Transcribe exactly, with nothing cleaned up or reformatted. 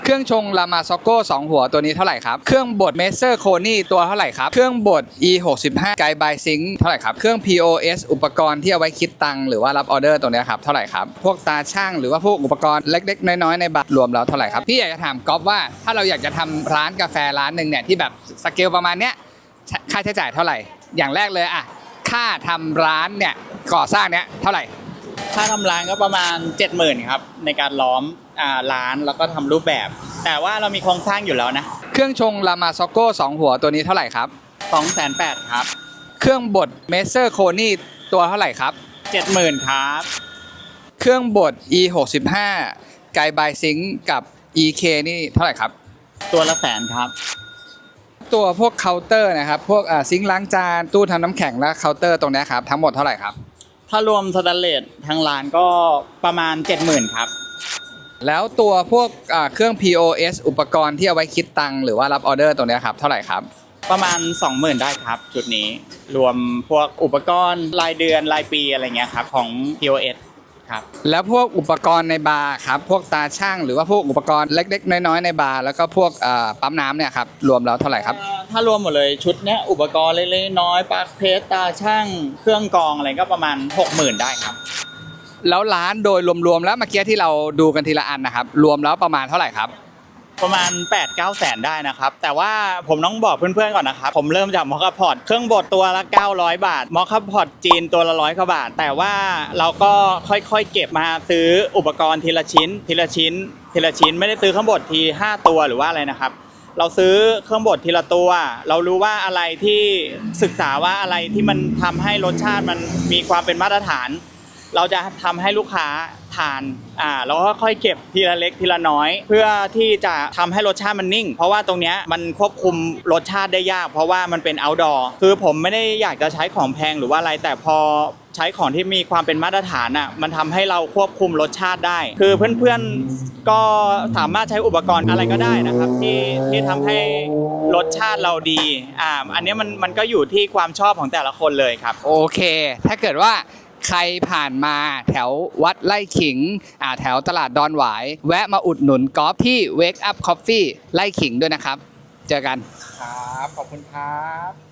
เครื่องชงลามาซ็อกโก้สองหัวตัวนี้เท่าไหร่ครับเครื่องบดเมเซอร์โคนี่ตัวเท่าไหร่ครับเครื่องบด อี หกสิบห้า ไกด์บายซิงเท่าไหร่ครับเครื่อง พี โอ เอส อุปกรณ์ที่เอาไว้คิดตังค์หรือว่ารับออเดอร์ตัวนี้ครับเท่าไหร่ครับพวกตาช่างหรือว่าพวกอุปกรณ์เล็กๆน้อยๆในบัตรรวมแล้วเท่าไหร่ครับพี่อยากจะถามก๊อฟว่าถ้าเราอยากจะทำร้านกาแฟร้านหนึ่งเนี่ยที่แบบสเกลประมาณเนี้ยค่าใช้จ่ายเท่าไหร่อย่างแรกเลยอะค่าทำร้านเนี่ยก่อสร้างเนี่ยเท่าไหร่ค่าทำร้านก็ประมาณ เจ็ดหมื่น ครับในการล้อมอ่าร้านแล้วก็ทำรูปแบบแต่ว่าเรามีโครงสร้างอยู่แล้วนะเครื่องชงลามาซ็อกโก้สองหัวตัวนี้เท่าไหร่ครับสองแสนแปด ครับเครื่องบดเมเซอร์โคนี่ตัวเท่าไหร่ครับเจ็ดหมื่น ครับเครื่องบด อี หกสิบห้า ไกด์บายซิงกับ อี เค นี่เท่าไหร่ครับตัวละแสนครับตัวพวกเคาน์เตอร์นะครับพวกซิงค์ล้างจานตู้ทำน้ำแข็งและเคาน์เตอร์ตรงนี้ครับทั้งหมดเท่าไหร่ครับถ้ารวมสแตนเลสทางร้านก็ประมาณ เจ็ดหมื่น ครับแล้วตัวพวกเครื่อง พี โอ เอส อุปกรณ์ที่เอาไว้คิดตังค์หรือว่ารับออเดอร์ตรงนี้ครับเท่าไหร่ครับประมาณ สองหมื่น ได้ครับจุดนี้รวมพวกอุปกรณ์รายเดือนรายปีอะไรเงี้ยครับของ พี โอ เอส ครับแล้วพวกอุปกรณ์ในบาร์ครับพวกตาช่างหรือว่าพวกอุปกรณ์เล็กๆน้อยๆในบาร์แล้วก็พวกปั๊มน้ำเนี่ยครับรวมแล้วเท่าไหร่ครับถ้ารวมหมดเลยชุดเนี้ยอุปกรณ์เล็กๆน้อยๆปลั๊กเพชรตาช่างเครื่องกรองอะไรก็ประมาณ หกหมื่น ได้ครับแล้วร้านโดยรวมๆแล้วเมื่อกี้ที่เราดูกันทีละอันนะครับรวมแล้วประมาณเท่าไหร่ครับประมาณ แปดถึงเก้า แสนได้นะครับแต่ว่าผมต้องบอกเพื่อนๆก่อนนะครับผมเริ่มจากมอคคาพอตเครื่องบดตัวละเก้าร้อยบาทมอคคาพอตจีนตัวละร้อยกว่าบาทแต่ว่าเราก็ค่อยๆเก็บมาซื้ออุปกรณ์ทีละชิ้นทีละชิ้นทีละชิ้นไม่ได้ซื้อเครื่องบดทีห้าตัวหรือว่าอะไรนะครับเราซื้อเครื่องบดทีละตัวเรารู้ว่าอะไรที่ศึกษาว่าอะไรที่มันทำให้รสชาติมันมีความเป็นมาตรฐานเราจะทำให้ลูกค้าทานอ่าแล้วก็ค่อยเก็บทีละเล็กทีละน้อยเพื่อที่จะทำให้รสชาติมันนิ่งเพราะว่าตรงเนี้ยมันควบคุมรสชาติได้ยากเพราะว่ามันเป็น outdoor คือผมไม่ได้อยากจะใช้ของแพงหรือว่าอะไรแต่พอใช้ของที่มีความเป็นมาตรฐานอ่ะมันทำให้เราควบคุมรสชาติได้คือเพื่อนๆก็สามารถใช้อุปกรณ์อะไรก็ได้นะครับที่ที่ทำให้รสชาติเราดีอ่าอันนี้มันมันก็อยู่ที่ความชอบของแต่ละคนเลยครับโอเคถ้าเกิดว่าใครผ่านมาแถววัดไร่ขิงอ่าแถวตลาดดอนหวายแวะมาอุดหนุนก๊อฟที่ Wake Up Coffee ไร่ขิงด้วยนะครับเจอกันครับขอบคุณครับ